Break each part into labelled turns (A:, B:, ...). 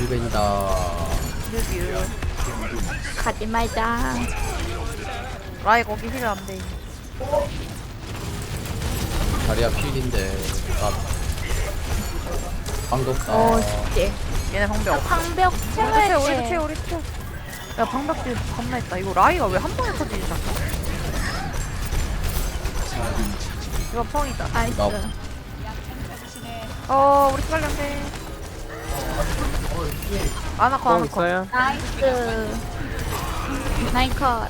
A: 힐벤이다.
B: 뮤
C: 가지 말자.
B: 라이 거기 힐 안돼.
A: 다리야 필인데. 아, 방도 없다.
C: 씨.
B: 얘네 방벽.
C: 방벽
B: 우리
C: 채워야
B: 채 우리 채. 야 방벽 딜 겁나 있다. 이거 라이가 왜 한 번에 터지지 자꾸. 이거 펑이다.
C: 나이스.
A: 나
B: 우리 빨리 안 돼. 아나커
D: 뽕
B: 아나커.
D: 있어요?
C: 나이스. 나이컷.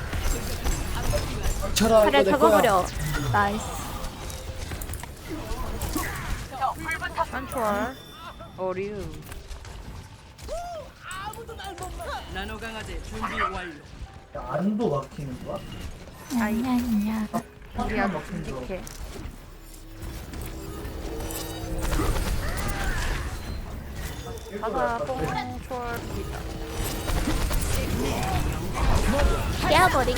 A: 쳐라
C: 차례
A: 이거 내 거야.
C: 잡아버려. 나이스.
B: 한초월. 어리우.
E: 나노 강아지 준비 완료.
F: 안도 막히는 거야?
C: 냐냐냐.
B: 우리 아주 듬직해. 가자 뽕초월 비다.
C: 깨어버리기.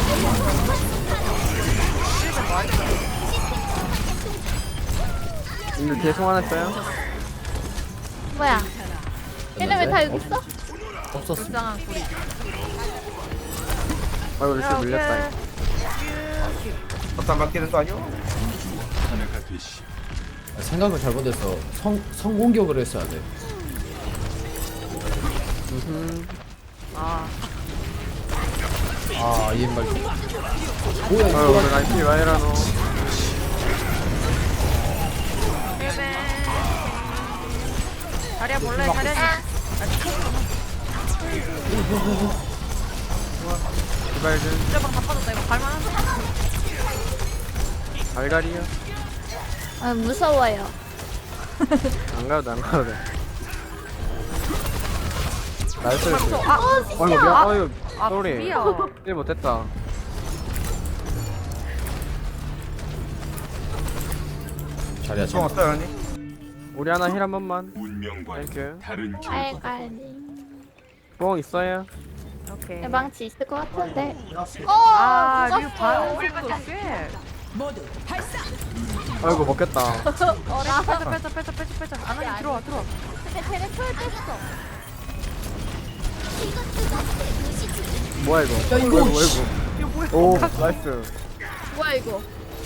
D: 근데 대송 하나 써요?
C: 뭐야? 얘네 왜 다 여기 있어?
A: 없었어.
B: 불쌍한 소리.
D: 아이고 루시 물렸다.
F: 막상 막히는 거 아니야?
A: 생각을 잘못해서 성공격을 했어야 돼.
B: 아
A: 아, 이말 뭐야
D: 아유
A: 이거?
D: 오늘 라이피 와이라노.
B: 힐벤. 자리야 몰래 자리야.
D: 제발 좀
B: 진짜방 다 빠졌다. 이거 갈만한데?
D: 갈갈이야.
C: 아, 무서워요.
D: 안 가도 돼, 안 가도 돼. 나이스.
B: 아
D: 아이고 미안. 아유
B: 아,
D: 쏘리.
B: 불이야.
D: 일 못했다.
A: 자리야
F: 총
A: 참.
F: 없어요 언니?
D: 우리 하나 힐 한 번만.
G: 운명과
D: 땡큐.
G: 다른 결과.
C: 알갈리.
D: 뽕 있어요?
B: 오케이.
C: 망치 있을 것 같은데.
B: 아, 류
C: 죽었어.
B: 반응도 꽤.
E: 모두 발사.
D: 아이고 먹겠다.
C: 어라.
B: 빼자. 아나님 들어와.
C: 쟤네 초월 뺐어.
D: 뭐야 이거?
A: 야, 이거
D: 뭐야
A: 씨.
D: 이거? 오 나이스.
C: 뭐야 이거?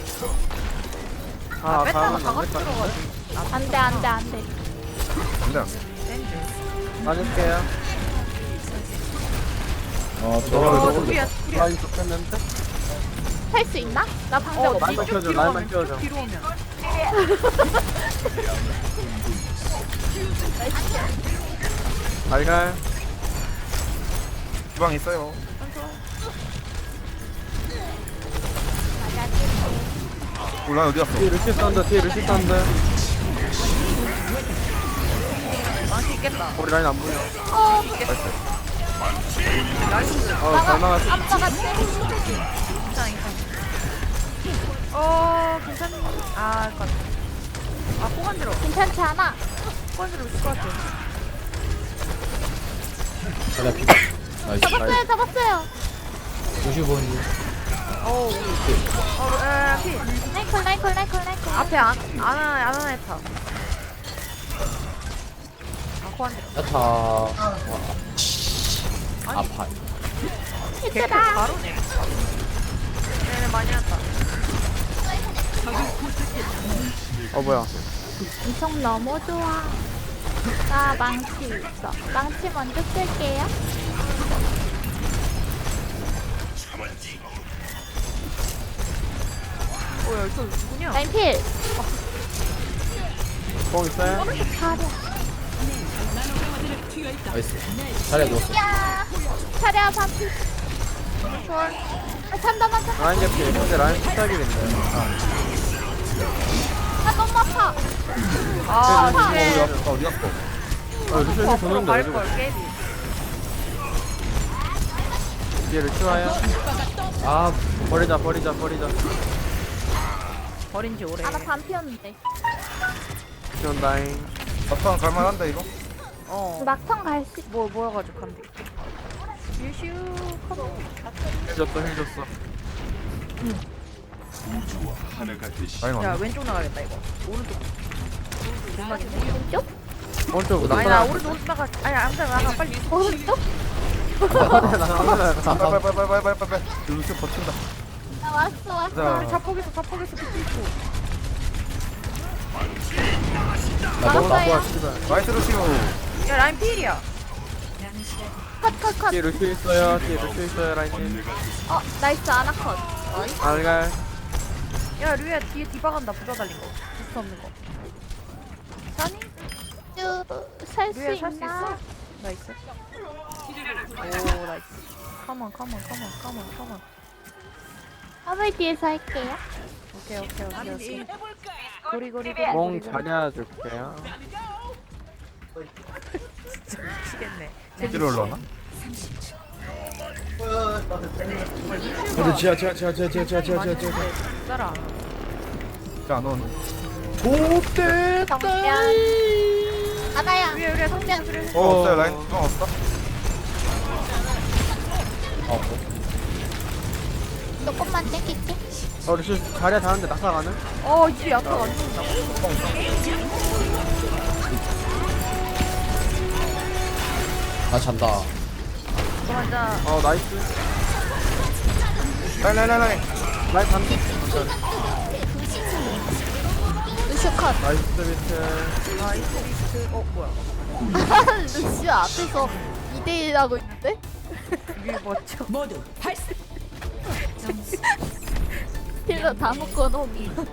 D: 아
B: 뺐다가
D: 다음은
B: 다
D: 안
B: 같이
D: 될까?
B: 들어가지.
C: 안돼 안돼 안돼.
F: 안돼
D: 맞을게요.
A: 들어가.
B: 불이야.
D: 라인 좋겠는데?
C: 할 수 있나? 나 방벽 없어.
D: 라인만 키워줘. 라인만 키워줘.
B: 뒤로 오면.
D: 갈갈.
F: 주방 있어요. 올라 어디 갔어?
D: 뒤에 루시 썬더. 뒤에 루시 썬더.
B: 망치 있겠다.
D: 우리 라인 안 보여.
B: 나이스.
D: 잘 막았어.
C: 아빠가
B: 괜찮아. 괜찮니? 아, 건. 아, 포간지러.
C: 괜찮지 않아?
B: 포간지러 있을 것 같아.
A: 자리야 피. 나이스.
C: 잡았어요.
A: 95분.
B: 어우. 피.
C: 나이콜.
B: 앞에 아나 했다. 아, 포간지러.
A: 야타. 아파.
B: 개코
C: 히트다.
B: 바로네. 얘네 많이 왔다.
D: 뭐야?
C: 엄청 너무 좋아. 나 망치 있어. 망치 먼저 쓸게요.
B: 뭐야, 이거 누구냐?
C: 라인 필.
D: 뽕 있어요?
C: 차려.
A: 나이스. 자리야 누웠어.
C: 야. 차려 반피.
B: 초월.
C: 잠깐만.
D: 라인 개피. 근데 라인 스타일인데.
C: 나 너무 아파.
B: 아,
F: 어디
B: 쉣.
F: 갔어? 어디 갔어?
D: 루시
B: 앞으로
D: 도는데 왜 저거?
B: 갈걸, 깨비.
D: 뒤에 루시 와요.
A: 아,
D: 버리자.
B: 버린 지 오래.
C: 아, 나 반피였는데.
D: 지원다잉.
F: 막상 갈만한다 이거?
C: 막상 갈 수.
B: 모여가지고 간대. 유슈, 컴온.
D: 힐 줬어.
G: 우주와 하나가 되시.
F: 아니
B: 야,
F: 맞네.
B: 왼쪽 나가겠다, 이거. 오른쪽.
C: 왼쪽?
D: 오른쪽
B: 아니 나 오른쪽 나가. 아니 아무튼 나가 빨리.
C: 오른쪽?
F: 빨빨빨빨빨빨빨빨. 루시 버틴다.
C: 나 왔어.
B: 우리
F: 자,
B: 자폭에서 비트 있고.
A: 나 너무
C: 막았어요.
F: 나이스 루시오.
B: 야 라인 필이야.
C: 컷.
D: 뒤에 루시 있어요. 뒤에 루시 있어요. 라인님.
C: 나이스 아나컷.
D: 알갈.
B: 야 류야 뒤에 디바 간다. 부자 달린 거. 부스 없는 거. 사니?
C: 살수
B: 류야 살 수
C: 있나?
B: 있어? 나이스. 오 나이스. 컴온.
C: 화물 뒤에서 할게요.
B: 오케이. 고리.
D: 공 자리야 줄게요.
B: 미치겠네.
F: 뒤로 올라오나?
A: 근데 지하.
B: 따라.
F: 안 오네.
A: 좋대.
C: 정면. 아나야.
B: 류야
C: 정면.
F: 없어요 라인. 없어?
C: 조금만 땡길게.
D: 루시 자리야 자는데 낙사가는?
B: 이게 야타가 안 죽는다고?
A: 나 잔다.
B: 너 앉아.
D: 나이스.
F: 라인.
D: 라인 반대.
C: 루시오 컷.
D: 나이스 비트.
B: 나이스 리스트. 뭐야?
C: 루시오 앞에서 2대1 하고 있는데?
B: 이게 멋져.
E: 모두 발사.
C: 힐러 다 묶어놓은.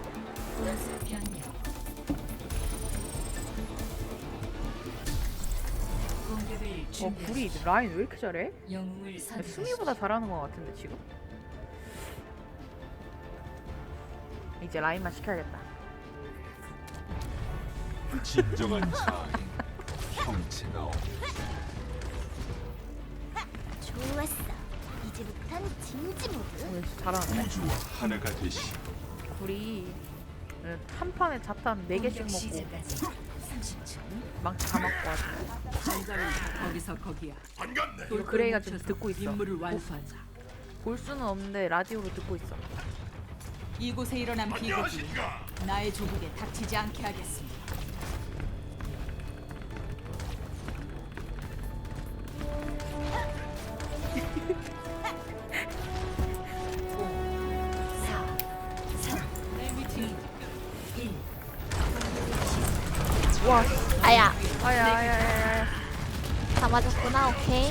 B: 불이 라인 왜 이렇게 잘해?
E: 영웅을
B: 야,
E: 선.
B: 수미보다 잘하는 것 같은데 지금? 이제 라인만 시켜야겠다.
G: 진정한 자아의 형체가 없다.
C: 좋았어. 이제부턴 진지 모드.
B: 오늘 진짜 잘하는데?
G: 우주와 하나가 되시.
B: 불이 한 판에 자탄 4개씩 먹고
E: 시작까지 30초.
B: 망치 다 맞고 하지.
E: 장전은 거기서 거기야.
B: 이거 그레이가 지금 듣고 있어.
E: 임무를 완수하자.
B: 볼 수는 없는데 라디오로 듣고 있어.
E: 이곳에 일어난 비극이 나의 조국에 닥치지 않게 하겠습니다.
B: 와,
C: 아야.
B: 아야.
C: 다 맞았구나. 오케이.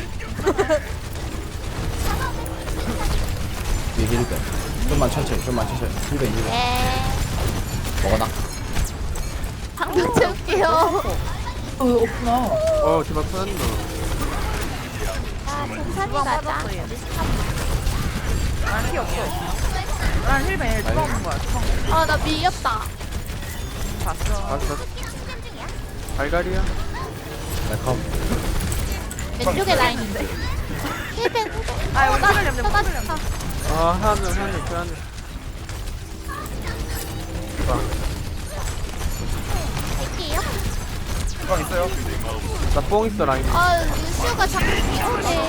A: 뒤에 힐배. 좀만 천천히. 힐배.
C: 네.
A: 먹어놔.
C: 방금 채울게요.
A: 없구나.
D: 디바 터졌노.
C: 천천히
B: 주방
C: 가자.
B: 빠졌어 얘. 난피 없어. 난 힐맨 주방 없는 거야. 주방
C: 나 밀렸다.
B: 봤어.
D: 맞아. 알갈이야.
A: 컴.
C: 왼쪽에 라인인데. 힐벤.
B: 아 이거 화를 냅네. 화를 냅네.
D: 하늘 그 하늘.
C: 할게요.
F: 주방 있어요?
D: 나 뽕 있어 라인.
C: 루시오가 자꾸 이렇게.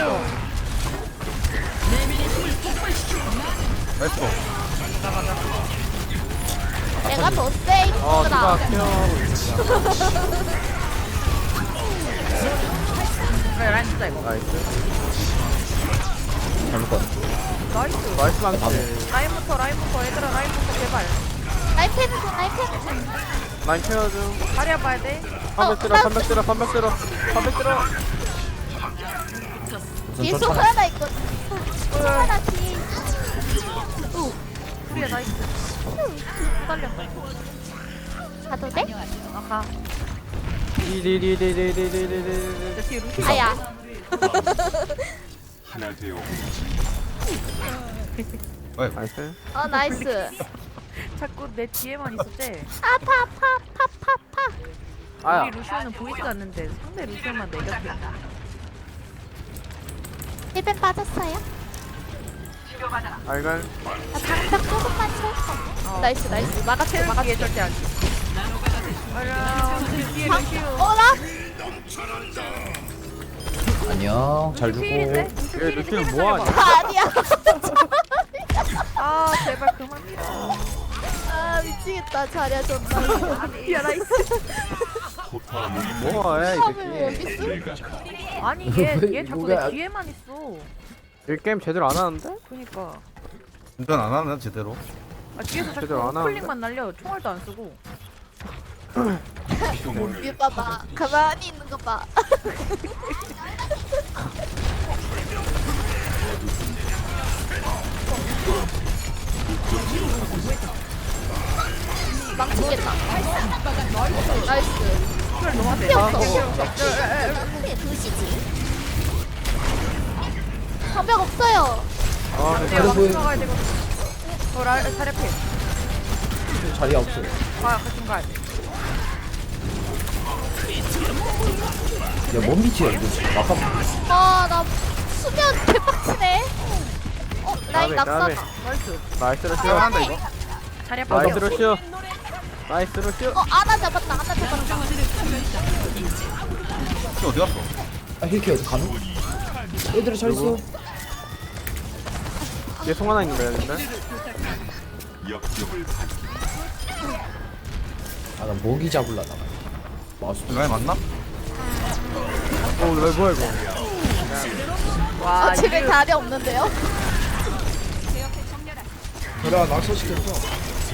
F: 나이스 고.
C: 내가 더 세,
D: 디바
C: 이거라.
D: 케어하고 있어.
B: 그래 라인 진짜 이거.
D: 나이스.
A: 잘못 건.
B: 나이스.
D: 나이스 망치.
B: 라인부터 얘들아 라인부터 제발.
C: 라이펜은
D: 라인 케어 중.
B: 다리야 봐야 돼.
D: 300 들어.
C: 뒤에
A: 무슨
C: 속
A: 쫓아내.
C: 하나 있거든. 속 하나 뒤에.
B: 우리야 나이스. 딸렸다.
C: 가도 돼?
B: 가.
D: 디디디디디디디디디.
B: 저 뒤에 루시.
C: 아야.
G: 하나 되어
D: 나이스.
C: 나이스.
B: 자꾸 내 뒤에만 있었대.
C: 파파파파파.
D: 아야.
B: 우리 루시오는 보이지가 않는데 상대 루시오만 내겼대.
C: 힐벤 빠졌어요?
D: 알갈.
C: 나 방벽 조금만 채울까? 나이스. 막아채,
B: 뒤에 절대 안 돼. 뒤에 루시오.
C: 나?
A: 안녕. 잘 주고.
B: 필인데?
D: 얘 루시는 뭐하냐?
C: 아니야.
B: 아 제발 그만 밀어.
C: 미치겠다. 자리야, 존나.
B: 야 나이스.
D: 뭐해 이
C: 왜
D: 새끼.
C: 여기 있어?
B: 아니 얘 자꾸
A: 뭐야.
B: 내 뒤에만 있어.
D: 이 게임 제대로 안 하는데?
B: 그니까.
F: 운전 안 하네 제대로.
B: 아 뒤에서
D: 제대로 안
B: 자꾸
D: 하는데?
B: 클릭만 날려. 총알도 안 쓰고.
C: 위 봐봐. 가만히 있는 거 봐. 망치겠다. 나이스. 피 없어. 도시지. 방벽 없어요.
D: 아
B: 내가
A: 그래
B: 왕
A: 보여.
B: 들어가야 되거든. 자리피.
A: 자리가 없어요.
B: 같이 가야 돼.
A: 야, 뭔 빛이야, 이거. 막아.
C: 아, 나 수면 개빡치네. 라인
D: 까비,
C: 낙사다.
D: 까비.
B: 나이스.
D: 나이스 러쉬.
F: 한다 이거.
B: 자리야
D: 나이스
B: 빡.
D: 러쉬. 나이스 러쉬.
C: 아나 잡았다. 아나 잡았다.
F: 저 어디 갔어?
A: 아, 힐케 어디 가노? 얘들아, 잘 있어.
D: 뒤에 송 하나 있는 거야 근데?
G: 역경을
A: 아, 나 모기 잡으려다가. 마우스.
F: 라인 맞나?
D: 왜 뭐야 이거?
B: 와
C: 집에 다리 없는데요?
A: 그래, 낙서시켰어.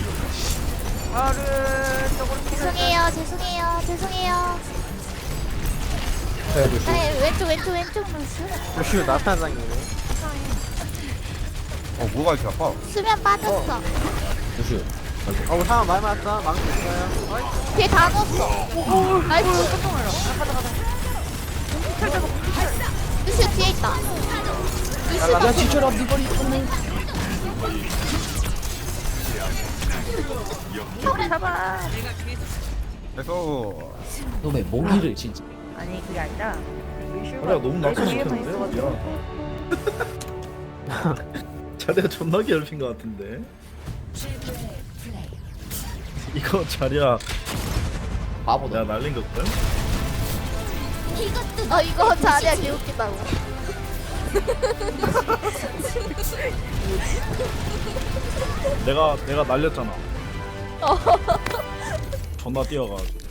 B: 아르 저걸
C: 죄송해요. 죄송해요.
A: 해야 돼.
C: 네, 왼쪽 루스.
D: 러쉬 나타나장이네.
F: 뭐가 이렇게 아파?
C: 수면 빠졌어.
A: 조슈.
D: 우리 사람 많이 맞았다. 망치 있어요.
C: 뒤에 다 넣었어. 나이스. 루시 뒤에 있다.
A: 야, 지쳐라, 니 머리.
B: 잡아.
F: 그래서
A: 놈의 모기를 진짜.
B: 아니 그게 아니라
H: 자리야 너무 낙서시켰는데? 자리야 존나 괴롭힌 것 같은데? 이거 자리야
A: 바보다.
H: 내가 날린 걸걸?
C: 이거 자리야 개웃기다고.
H: 내가 날렸잖아. 존나 뛰어가지고